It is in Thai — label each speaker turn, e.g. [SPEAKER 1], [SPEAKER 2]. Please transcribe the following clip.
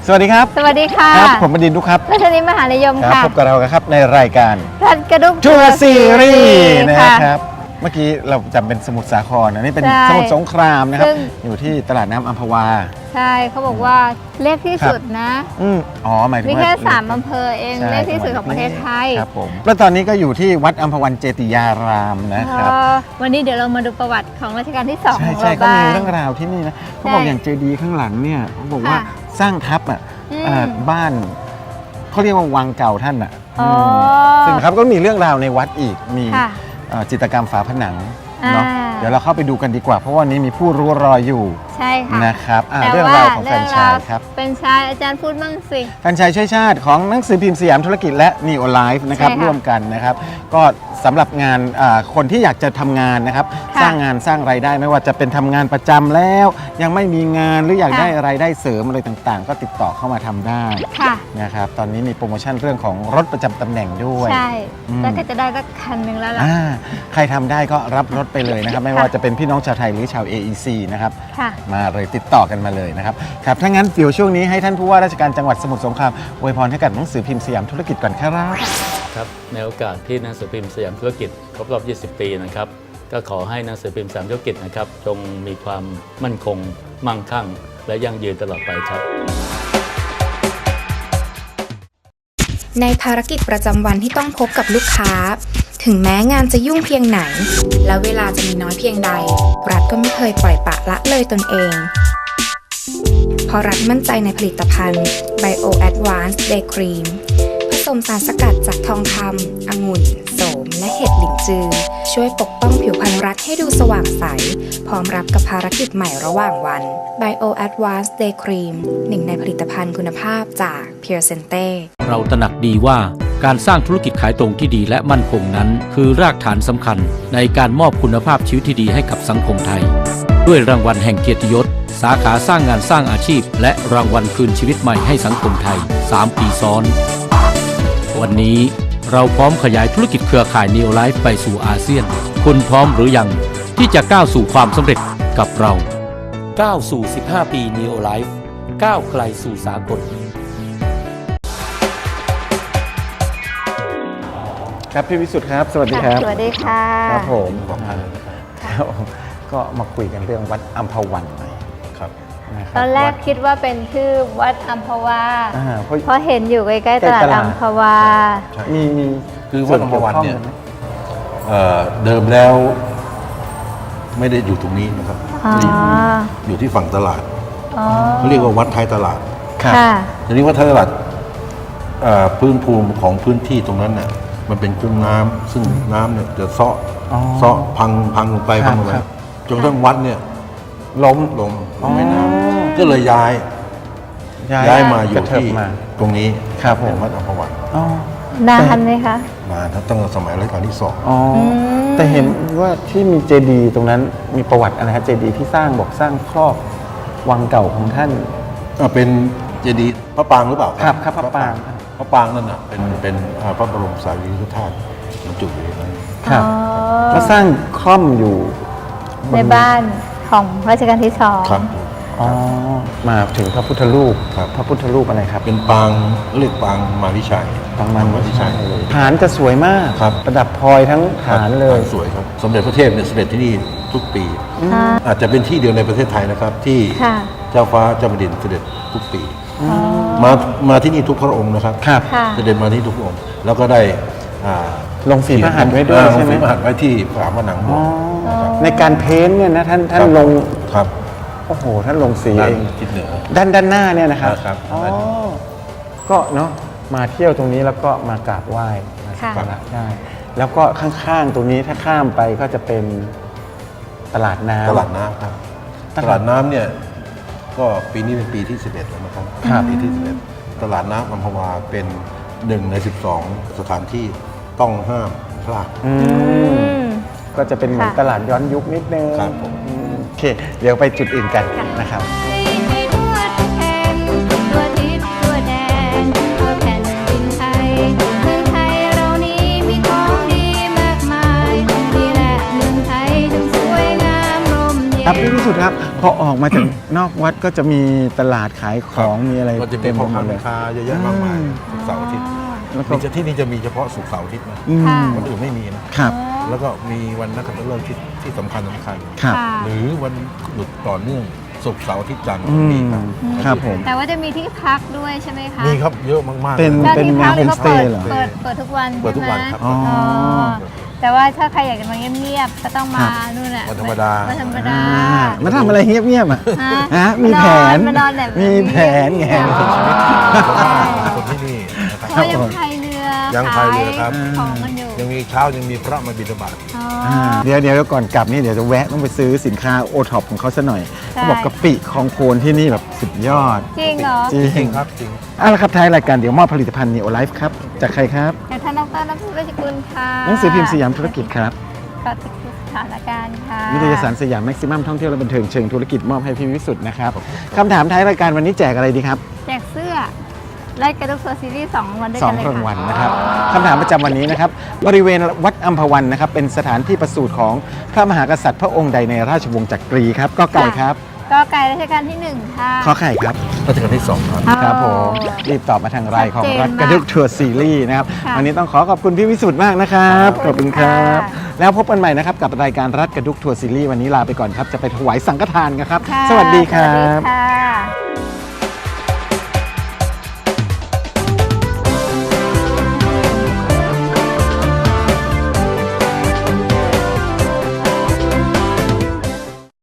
[SPEAKER 1] สวัสดีครับ
[SPEAKER 2] สวัสดีค่ะ
[SPEAKER 1] ครับผมบดินทร์ดุกครับ
[SPEAKER 2] รัชนีมหานิยมค่ะ
[SPEAKER 1] พบกับเราครับในรายการ
[SPEAKER 2] รัดกระดุก
[SPEAKER 1] ทัวร์ซีรีส์นะ
[SPEAKER 2] ค่ะ
[SPEAKER 1] ครับเมื่อกี้เราจำเป็นสมุทรสาครอันนี้เป็น
[SPEAKER 2] ใช่
[SPEAKER 1] สมุทรสงครามนะครับ
[SPEAKER 2] ซึ่ง
[SPEAKER 1] อยู่ที่ตลาดน้ำอัมพวา
[SPEAKER 2] ใช่เขาบอกว่าเล็กที่สุดนะ
[SPEAKER 1] อ๋อหมายถึง
[SPEAKER 2] มี
[SPEAKER 1] ว่า
[SPEAKER 2] แค่3อำเภอเอง
[SPEAKER 1] ใช่
[SPEAKER 2] เล็กที่สุดของประเทศไทย
[SPEAKER 1] ครับผมแล้วตอนนี้ก็อยู่ที่วัดอัมพวันเจติยารามนะครับ
[SPEAKER 2] วันนี้เดี๋ยวเรามาดูประวัติของรัชกาลที่2ของ
[SPEAKER 1] ใช่
[SPEAKER 2] เรา
[SPEAKER 1] ก็
[SPEAKER 2] บ้า
[SPEAKER 1] มี
[SPEAKER 2] ง
[SPEAKER 1] เรื่องราวที่นี่นะเขาบอกอย่างเจดีย์ข้างหลังเนี่ยเขาบอกว่า
[SPEAKER 2] ค่ะ
[SPEAKER 1] สร้างทับบ้านเขาเรียกว่าวังเก่าท่านซึ่งครับก็มีเรื่องราวในวัดอีกมี
[SPEAKER 2] ค่ะ
[SPEAKER 1] จิตรกรรมฝาผนังเนาะ
[SPEAKER 2] อ่า
[SPEAKER 1] เดี๋ยวเราเข้าไปดูกันดีกว่า เพราะวันนี้มีผู้รู้รออยู่
[SPEAKER 2] ใช่ค่ะ
[SPEAKER 1] นะครับ
[SPEAKER 2] แต่
[SPEAKER 1] เรื่องราวของแฟรนไชส์ครับ
[SPEAKER 2] แฟรนไชส์อาจารย์พูดบ้างสิ
[SPEAKER 1] แฟรนไชส์ช่วยชาติของหนังสือพิมพ์สยามธุรกิจและ Neo Life นะครับ
[SPEAKER 2] ใช่ค่ะ
[SPEAKER 1] ร่วมกันนะครับก็สำหรับงานคนที่อยากจะทำงานนะครับ
[SPEAKER 2] ค่ะ
[SPEAKER 1] สร้างงานสร้างรายได้ไม่ว่าจะเป็นทำงานประจำแล้ว ยังไม่มีงานหรืออยาก
[SPEAKER 2] ค่ะ
[SPEAKER 1] ได้รายได้เสริมอะไรต่างๆ ก็ติดต่อเข้ามาทำได้
[SPEAKER 2] ค่ะ
[SPEAKER 1] นะครับตอนนี้มีโปรโมชั่นเรื่องของรถประจำตำแหน่งด้วย
[SPEAKER 2] ใช่
[SPEAKER 1] อืม
[SPEAKER 2] แล้วก็จะได้สักคันหนึ่งแล้วล่ะ
[SPEAKER 1] ใครทำได้ก็รับรถไปเลยนะครับ ไม่ว่าจะเป็นพี่น้องชาวไทยหรือชาว AEC นะครับ
[SPEAKER 2] ค่ะ
[SPEAKER 1] มาเลยติดต่อกันมาเลยนะครับครับถ้างั้นเดี๋ยวช่วงนี้ให้ท่านผู้ว่าราชการจังหวัดสมุทรสงครามอวยพรให้กับหนังสือพิมพ์สยามธุรกิจก่อนครับ
[SPEAKER 3] ครับในโอกาสที่หนังสือพิมพ์สยามธุรกิจครบรอบ 20 ปีนะครับก็ขอให้หนังสือพิมพ์สยามธุรกิจนะครับจงมีความมั่นคงมั่งคั่ง และยั่งยืนตลอดไปครับ
[SPEAKER 4] ในภารกิจประจำวันที่ต้องพบกับลูกค้า ถึงแม้งานจะยุ่งเพียงไหน และเวลาจะมีน้อยเพียงใด รัฐก็ไม่เคยปล่อยปละละเลยตนเอง เพราะรัฐมั่นใจในผลิตภัณฑ์ Bio Advanced Day Cream ผสมสารสกัดจากทองคำองุ่น โสม และเห็ดหลินจือ ช่วยปกป้องผิวพรรณรัฐให้ดูสว่างใส พร้อมรับกับภารกิจใหม่ระหว่างวัน Bio Advanced Day Cream หนึ่งในผลิตภัณฑ์คุณภาพจาก Pure Sente
[SPEAKER 5] เราตระหนักดีว่าการสร้างธุรกิจขายตรงที่ดีและมั่นคงนั้น คือรากฐานสำคัญในการมอบคุณภาพชีวิตที่ดีให้กับสังคมไทย ด้วยรางวัลแห่งเกียรติยศ สาขาสร้างงานสร้างอาชีพ และรางวัลคืนชีวิตใหม่ให้สังคมไทย 3 ปีซ้อน วันนี้เราพร้อมขยายธุรกิจเครือข่าย Neo Life ไปสู่อาเซียน คุณพร้อมหรือยังที่จะก้าวสู่ความสำเร็จกับเราก้าวสู่ 15 ปี Neo Life ก้าวไกลสู่สากล
[SPEAKER 1] ครับพี่วิสุทธ์ครับสวัสดีครับ
[SPEAKER 2] สวัสดีค่ะ
[SPEAKER 1] ครับผมครับก็มาคุยกันเรื่องวัดอัมพวันหน่อยครับะคบ
[SPEAKER 2] ตอนแรก
[SPEAKER 1] วัด
[SPEAKER 2] คิดว่าเป็นชื่อวัดอัมพวา
[SPEAKER 1] เพราะ
[SPEAKER 2] เพราะเห็นอยู่ใกล้ๆตลาดอัมพวา
[SPEAKER 1] มี
[SPEAKER 6] คือวัดอัมพวันเนี่ย
[SPEAKER 1] ส่กี่วข้องกัไหม
[SPEAKER 6] เดิมแล้วไม่ได้อยู่ตรงนี้นะครับ
[SPEAKER 2] อ๋อ
[SPEAKER 6] อยู่ที่ฝั่งตลาด
[SPEAKER 2] อ๋อ
[SPEAKER 6] เขาเรียกว่าวัดท้ายตลาด
[SPEAKER 1] ครับ
[SPEAKER 2] ค่ะ
[SPEAKER 6] ทีนี้วัดท้ายตลาดพื้นภูมิของพื้นที่ตรงนั้นน่ะมันเป็นคุ้งน้ำซึ่งน้ำเนี่ยจะเซาะพังลงไป
[SPEAKER 1] ครับ
[SPEAKER 6] พังลงไป
[SPEAKER 1] ครับ
[SPEAKER 6] จนกระทั่งวัดเนี่ย
[SPEAKER 1] ล้ม
[SPEAKER 6] ลงแม่น้ำก็เลยย้ายมาอก
[SPEAKER 1] ระ
[SPEAKER 6] ยู่
[SPEAKER 1] เถิบ
[SPEAKER 6] ที่
[SPEAKER 1] มา
[SPEAKER 6] ตรงนี้
[SPEAKER 1] ครับผม
[SPEAKER 6] เป็นวัดอัมพวัน
[SPEAKER 1] อ๋อ
[SPEAKER 2] นานไหมคะ
[SPEAKER 6] มาตั้งแต่สมัยรัชกาลที่ 2
[SPEAKER 1] อ๋อแต่เห็นว่าที่มีเจดีย์ตรงนั้นมีประวัติอะไรครับเจดีย์ที่สร้างบอกสร้างครอบวังเก่าของท่าน
[SPEAKER 6] เป็นเจดีย์พระปรางหรือเปล่า
[SPEAKER 1] ครับพระปราง
[SPEAKER 6] พระปรางนั่นน่ะเป็นพระบรมสารีริกธาตุบรรจุอยู่ในนั้น
[SPEAKER 1] ครับ
[SPEAKER 2] อ๋อ
[SPEAKER 1] แล้วสร้างคล่อมอยู่
[SPEAKER 2] ในบ้านของรัชกาลที่ 2
[SPEAKER 6] ครับ
[SPEAKER 1] อ๋อมาถึงพระพุทธรูป
[SPEAKER 6] ครับ
[SPEAKER 1] พระพุทธรูปอะไรครับ
[SPEAKER 6] เป็นปางเรียกปางมาริชัย
[SPEAKER 1] ปางมัน
[SPEAKER 6] มาริชัย
[SPEAKER 1] ฐานจะสวยมาก
[SPEAKER 6] ครับ
[SPEAKER 1] ประดับพลอยทั้งฐานเลย
[SPEAKER 6] สวยครับสมเด็จพระเทพเนี่ยเสด็จที่นี่ทุกปี อาจจะเป็นที่เดียวในประเทศไทยนะครับ ที่
[SPEAKER 2] ค่ะ
[SPEAKER 6] เจ้าฟ้าเจ้าแผ่นดินเสด็จทุกปี
[SPEAKER 2] อ๋อ
[SPEAKER 6] มาที่นี่ทุกพระองค์นะครับ
[SPEAKER 1] ครับ
[SPEAKER 2] ค่ะ
[SPEAKER 6] เสด็จมาที่ทุกพระองค์แล้วก็ได้อ่า
[SPEAKER 1] ลงฝีพระหัตถ์ไว้ด้วย
[SPEAKER 6] ล
[SPEAKER 1] ใช่
[SPEAKER 6] ง
[SPEAKER 1] ไหม
[SPEAKER 6] ฝีพระหัตถ์ไว้ที่ฝาผนังโบ
[SPEAKER 1] อ๋อ
[SPEAKER 6] สถ์นะครับ
[SPEAKER 1] ในการเพ้นท์เนี่ยนะท่าน
[SPEAKER 6] ครับ
[SPEAKER 1] ลง
[SPEAKER 6] ครับ
[SPEAKER 1] โอ้โหท่านลงสี
[SPEAKER 6] ด้าน
[SPEAKER 1] เอง
[SPEAKER 6] ทิศเหนือ
[SPEAKER 1] ด้านหน้าเนี่ยนะครับ
[SPEAKER 6] ครับ
[SPEAKER 1] อ๋อก็เนาะมาเที่ยวตรงนี้แล้วก็มากราบไหว้มาสัก
[SPEAKER 2] ค่ะ
[SPEAKER 1] การะได้ แล้วก็ข้างๆตรงนี้ถ้าข้ามไปก็จะเป็นตลาดน้ำ
[SPEAKER 6] ตลาดน้ำครับ ตลาดน้ำเนี่ยก็ปีนี้เป็นปีที่ 11 แล้วนะครับ
[SPEAKER 1] ครับ
[SPEAKER 6] ปีที่ 11 ตลาดน้ำอัมพวาเป็น1 ใน 12 สถานที่ต้องห้ามพลาด
[SPEAKER 1] อืมก็จะเป็นเหมือน
[SPEAKER 2] ค่ะ
[SPEAKER 1] ตลาดย้อนยุคนิดนึง
[SPEAKER 6] ครับผม
[SPEAKER 1] โอเค เดี๋ยวไปจุดอื่นกันนะครับ
[SPEAKER 7] ให้ทั่วทุกแห่งทั่วทิศทั่วแดนทั่วแผ่นดินไทยเมืองไทยเรานี้มีของดีมากมายนี่แหละเมืองไทยถึงสวยงามร่มเย็น
[SPEAKER 1] ครับพี่วิสุทธิ์ครับ พอออกมาจากนอกวัดก็จะมีตลาดขายของมีอะไร
[SPEAKER 6] ก็จะมี
[SPEAKER 1] เต็ม
[SPEAKER 6] พ่อ
[SPEAKER 1] ไปหม
[SPEAKER 6] ค้า
[SPEAKER 1] ดเล
[SPEAKER 6] แม่
[SPEAKER 1] ย
[SPEAKER 6] ค้าเยอะแยะมากมายศุกร์เสาร์อาทิตย์
[SPEAKER 1] แล้วก็
[SPEAKER 6] มีที่นี่จะมีเฉพาะศุกร์เสาร์อาทิตย์นะ
[SPEAKER 1] อืม
[SPEAKER 6] วันอื่นไม่มีนะ
[SPEAKER 1] ครับ
[SPEAKER 6] แล้วก็มีวันนักขัตฤกษ์ที่สำคัญ
[SPEAKER 1] ครับ
[SPEAKER 2] ค่ะ
[SPEAKER 6] หรือวันหยุดต่อเนื่องศุกร์เสาร์อาทิตย์จันทร์
[SPEAKER 1] อืม
[SPEAKER 6] มีครับ
[SPEAKER 1] ครับผม
[SPEAKER 2] แต่ว่าจะมีที่พักด้วยใช่ไหมคะ
[SPEAKER 6] มีครับเยอะมากๆ
[SPEAKER 1] เป็น
[SPEAKER 6] ลย
[SPEAKER 2] แล้ว
[SPEAKER 1] เป็น
[SPEAKER 2] ที่
[SPEAKER 1] แน
[SPEAKER 2] พั
[SPEAKER 1] ว
[SPEAKER 2] กนี่
[SPEAKER 1] โฮม
[SPEAKER 2] ก็
[SPEAKER 1] สเตย์เหรอ
[SPEAKER 2] เปิดทุกวัน
[SPEAKER 6] เปิดทุกวัน
[SPEAKER 2] ใช่ไหม
[SPEAKER 6] ครับ
[SPEAKER 1] อ๋อ
[SPEAKER 2] อ๋อแต่ว่าถ้าใครอยากจะมาเงียบๆก็ต้องมา
[SPEAKER 1] ครับ
[SPEAKER 2] นู่นน่ะ
[SPEAKER 6] วันธรรมดา
[SPEAKER 2] วันธรรมดา
[SPEAKER 1] มาทำอะไรเงียบๆอ่ะ
[SPEAKER 2] ฮะ
[SPEAKER 1] ฮะมีแผน
[SPEAKER 2] มานอนแบบ
[SPEAKER 1] มีแผนไง
[SPEAKER 6] คนที่นี่นะครับ
[SPEAKER 2] เขายังพายเรือ
[SPEAKER 6] ยังพายเรือครับ
[SPEAKER 2] ขายของกันอยู่
[SPEAKER 6] ยังมีเช้ายังมีพระมาบิณฑบาต
[SPEAKER 2] อ๋อ
[SPEAKER 1] เดี๋ยวก่อนกลับนี่เดี๋ยวจะแวะต้องไปซื้อสินค้าโอท็อปของเขาซะหน่อย
[SPEAKER 2] ใช่
[SPEAKER 1] เขาบอกกะปิของโคนที่นี่แบบสุดยอด
[SPEAKER 2] จริงเหรอ
[SPEAKER 1] จริ
[SPEAKER 6] จริ
[SPEAKER 1] ง
[SPEAKER 6] งครับจริง
[SPEAKER 1] เอาละครับท้ายรายการเดี๋ยวมอบผลิตภัณฑ์ Neo Life ครับ จากใครครับ
[SPEAKER 2] จากท่านดรน้ำพุราชกุลค่ะ
[SPEAKER 1] หนังสือพิมพ์สยามธุรกิจครับ
[SPEAKER 2] ก็ติดสถานการณ์ค่ะ
[SPEAKER 1] นิตยสารสยามแม็กซิมัมท่องเที่ยวและบันเทิงเชิงธุรกิจมอบให้พี่วิสุทธ์นะครับคำถามท้ายรายการวันนี้แจกอะไรดีครับ
[SPEAKER 2] แจกเสื้อไล่กระดูกตัวซีรีส์2วันด้วย
[SPEAKER 1] ส
[SPEAKER 2] กั
[SPEAKER 1] อน ง
[SPEAKER 2] เลย
[SPEAKER 1] ราง
[SPEAKER 2] ค่ะ
[SPEAKER 1] วัลนะครับคำถามประจำวันนี้นะครับบริเวณวัดอัมพวันนะครับเป็นสถานที่ประสูติของพระมหากษัตริย์พระองค์ใดในราชวงศ์จักรีครับก็ไก่ครับ
[SPEAKER 2] ก็ไก่รัชกาลที่ 1 ค่ะ
[SPEAKER 1] ขอไข่ครับ
[SPEAKER 6] รัชกาลที่2ครับ
[SPEAKER 1] ครับผมรีบตอบมาทางไลน์ของ
[SPEAKER 2] ชัดเจน
[SPEAKER 1] รัฐกระดึกทัวร์ซีรีส์นะครับ
[SPEAKER 2] ค่ะ
[SPEAKER 1] วันนี้ต้องขอบคุณพี่วิสุทธ์มากนะครับข
[SPEAKER 2] ข
[SPEAKER 1] อ
[SPEAKER 2] อ
[SPEAKER 1] บบ
[SPEAKER 2] คุ
[SPEAKER 1] คุณ
[SPEAKER 2] ณ
[SPEAKER 1] ครั
[SPEAKER 2] ค่ะ
[SPEAKER 1] บ แล้วพบกันใหม่นะครับกับรายการรัฐกระดุกทัวร์ซีรีส์วันนี้ลาไปก่อนครับจะไปถวายสังฆทานกันครับ
[SPEAKER 2] ค่ะ
[SPEAKER 1] สวัสดีครั
[SPEAKER 2] สวัส
[SPEAKER 1] บ
[SPEAKER 2] ดีค่ะ